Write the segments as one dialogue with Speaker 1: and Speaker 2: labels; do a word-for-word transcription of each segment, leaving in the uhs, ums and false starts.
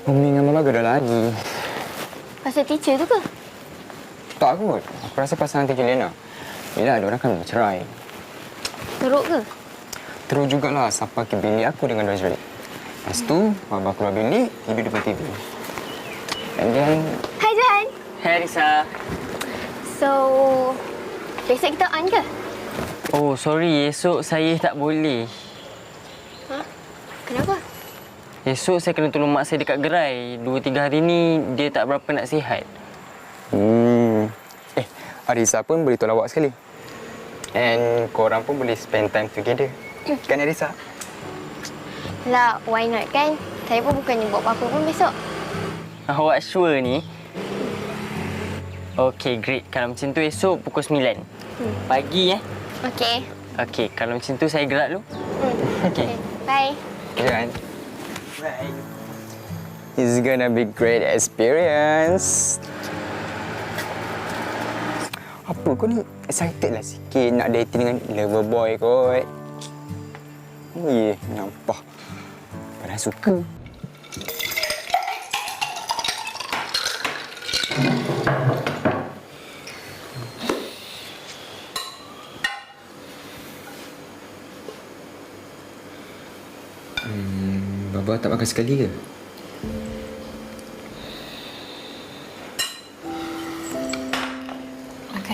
Speaker 1: Umi dengan Mama gaduh lagi.
Speaker 2: Pasal teacher tu ke?
Speaker 1: Tak kot. Aku rasa pasal nanti Lena. Bila ada orang kan bercerai.
Speaker 2: Teruk ke?
Speaker 1: Terus jugalah sampai ke bilik aku dengan Roswell. Lepas tu, Baba keluar bilik, tidur depan T V. And then...
Speaker 2: Hai Johan.
Speaker 3: Hai Arisa.
Speaker 2: So, besok kita on ke?
Speaker 3: Oh, sorry. Esok saya tak boleh.
Speaker 2: Ha? Kenapa?
Speaker 3: Esok saya kena tolong mak saya dekat gerai. Dua, tiga hari ni dia tak berapa nak sihat.
Speaker 1: Hmm. Eh, Arisa pun boleh tolak awak sekali. And korang pun boleh spend time together. Kan Arisa?
Speaker 2: Lah, why not kan? Saya pun bukannya buat apa-apa pun besok.
Speaker 3: Awak sure ni? Okey, great. Kalau macam tu esok pukul sembilan. Hmm. Pagi eh.
Speaker 2: Okey.
Speaker 3: Okey, kalau macam tu saya gerak dulu.
Speaker 2: Hmm.
Speaker 3: Okey.
Speaker 2: Okay. Bye.
Speaker 1: Kan? Right. It's gonna be great experience. Apa kau ni? Excited lah sikit nak dating dengan lover boy kot. Oh ye, nampak. Padahal suka. Hmm, Baba tak makan sekali ke?
Speaker 4: Makan.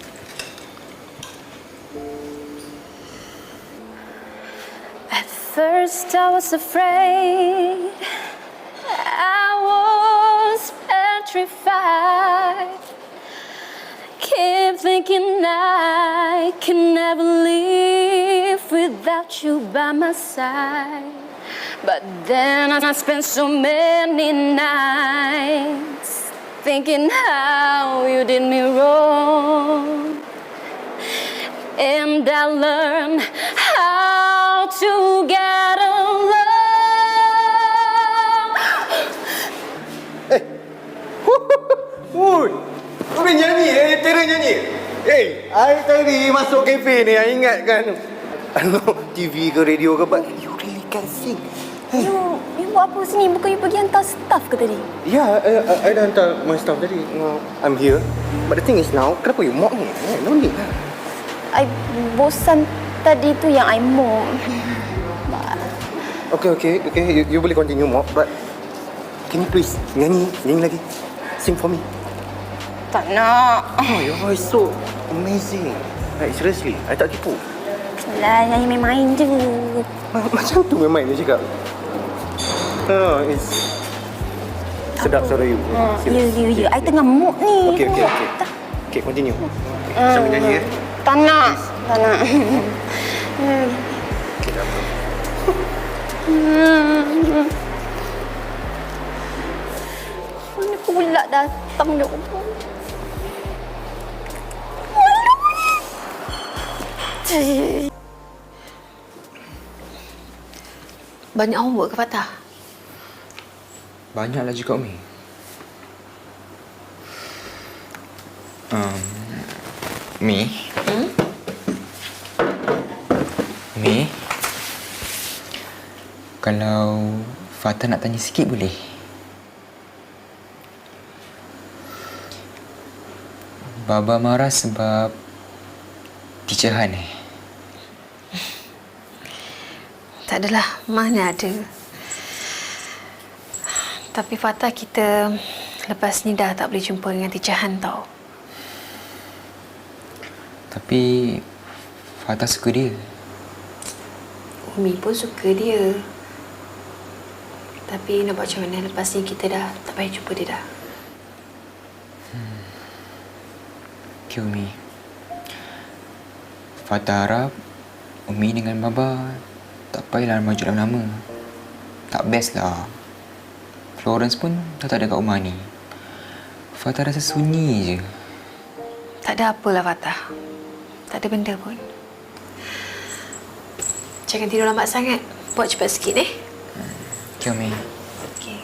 Speaker 4: At first I was afraid, I was petrified. Keep thinking I can never live without you by my side. But then I spent so many nights thinking how you did me wrong. And I learned how to get along.
Speaker 5: Eh, Wood, kau boleh nyanyi eh, terang nyanyi. Eh, I tadi masuk kafe ni, I ingat kan. Ano, T V ke radio ke, but you really can sing.
Speaker 4: You, you buat apa sini? Bukan you pergi hantar staff ke tadi?
Speaker 5: Ya, yeah, I, I dah hantar my staff tadi. No, I'm here. But the thing is now, kenapa you mock ni? Eh, no need lah.
Speaker 4: I bosan tadi tu yang I mock.
Speaker 5: Okay, okay, okay. You, you boleh continue mock, but can you please nyanyi, nyanyi lagi? Sing for me.
Speaker 4: Tak nak.
Speaker 5: Oh, your voice so amazing. Like, seriously, I tak tipu.
Speaker 4: Lah, nyanyi main-main je.
Speaker 5: Macam tu memang dia cakap. Oh, it's sedap suara you.
Speaker 4: Hmm, you, you, you. I tengah mood ni.
Speaker 5: Okay, okay, okay. Okay, continue. Okay, sambil nyanyi ya.
Speaker 4: Tak nak. Tak nak.
Speaker 5: Okay, dah apa?
Speaker 4: Mana pula datang dia.
Speaker 6: Banyak homework ke Fatah?
Speaker 1: Banyaklah juga, Umi. Um, Mi?
Speaker 6: Hmm?
Speaker 1: Mi? Kalau Fatah nak tanya sikit boleh? Baba marah sebab Teacher Han eh?
Speaker 6: Tak adalah, mana ada. Tapi Fatah, kita lepas ni dah tak boleh jumpa dengan Teacher Han tau.
Speaker 1: Tapi Fatah suka dia.
Speaker 6: Umi pun suka dia. Tapi nak buat macam mana, lepas ni kita dah tak payah jumpa dia dah.
Speaker 1: Hmm. Okay, Umi. Fatah harap Umi dengan Baba tak payahlah maju dalam nama. Tak best lah. Florence pun dah tak ada kat rumah ni. Fatah rasa sunyi je.
Speaker 6: Tak ada apalah Fatah. Tak ada benda pun. Jangan tidur lambat sangat. Buat cepat sikit eh.
Speaker 1: Hmm. Okay, Umi.
Speaker 6: Okey.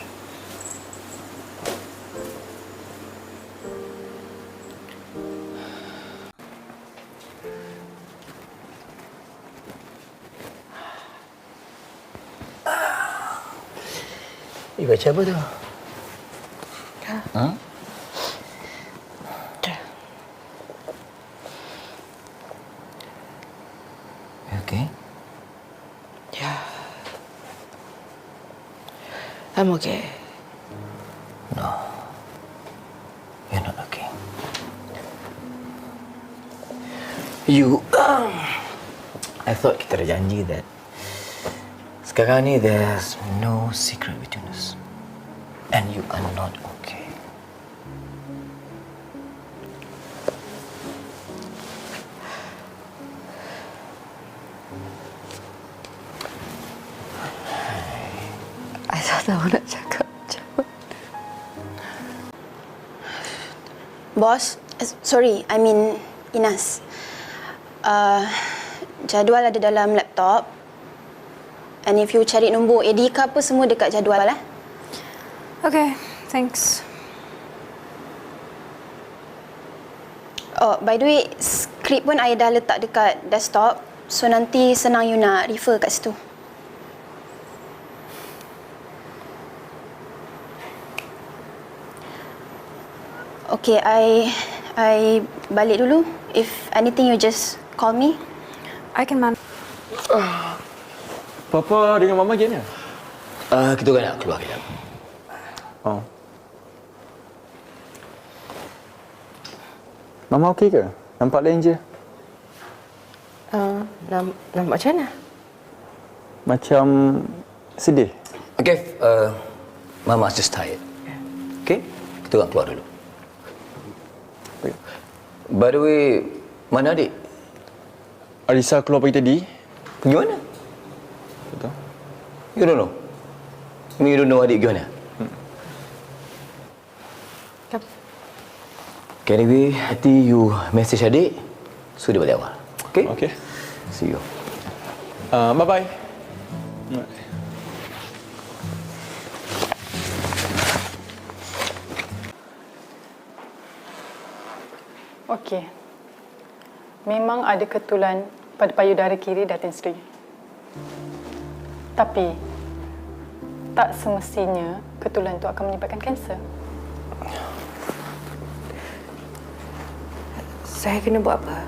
Speaker 5: You baca apa tu? Ha? You okay?
Speaker 6: Yeah. I'm okay.
Speaker 5: No. You're not okay. You... I thought kita dah janji that sekarang ni there's no secret between us. And you are not okay.
Speaker 6: I tak tahu nak cakap macam mana.
Speaker 2: Bos, eh, sorry, I mean Inas. Uh, jadual ada dalam laptop. And if you cari nombor A D ke apa, semua dekat jadual lah.
Speaker 6: Okay, thanks.
Speaker 2: Oh, by the way, skrip pun I dah letak dekat desktop. So nanti senang you nak refer kat situ. Okay, I I balik dulu. If anything, you just call me.
Speaker 6: I can man.
Speaker 7: Papa dengan Mama gimana?
Speaker 5: Uh, kita kan nak keluar kejap.
Speaker 7: Oh. Mama okey ke? Nampak lain je.
Speaker 6: Uh, nam, nampak macam mana?
Speaker 7: Macam sedih.
Speaker 5: Okay, uh, Mama's just tired. Okay, kita orang keluar dulu. By the way, mana adik?
Speaker 7: Alisa keluar pagi tadi.
Speaker 5: Pergi mana?
Speaker 7: Betul.
Speaker 5: You don't know? I mean, you don't know adik pergi mana?
Speaker 7: Hmm.
Speaker 5: Okay, anyway, nanti you message adik, so dia balik awal. Okay?
Speaker 7: Okay.
Speaker 5: See you.
Speaker 7: Uh, bye-bye.
Speaker 8: Okey. Memang ada ketulan pada payudara kiri Datin Sri. Tapi tak semestinya ketulan itu akan menyebabkan kanser.
Speaker 6: Saya kena buat apa?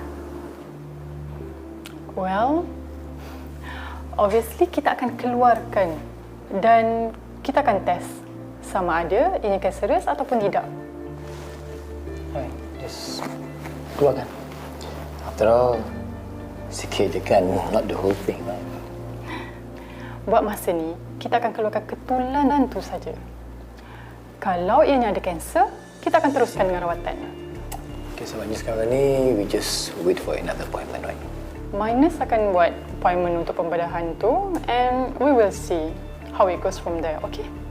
Speaker 8: Well, obviously kita akan keluarkan dan kita akan test sama ada ianya kanserus ataupun tidak.
Speaker 5: Alright, just keluarkan. After all, sikit je kan, not the whole thing, right?
Speaker 8: Buat masa ni, kita akan keluarkan ketulanan tu saja. Kalau ianya ada kanser, kita akan teruskan dengan rawatan.
Speaker 5: Okay, sebabnya sekarang ni, we just wait for another appointment, right?
Speaker 8: Minus akan buat appointment untuk pembedahan tu and we will see how it goes from there, okay?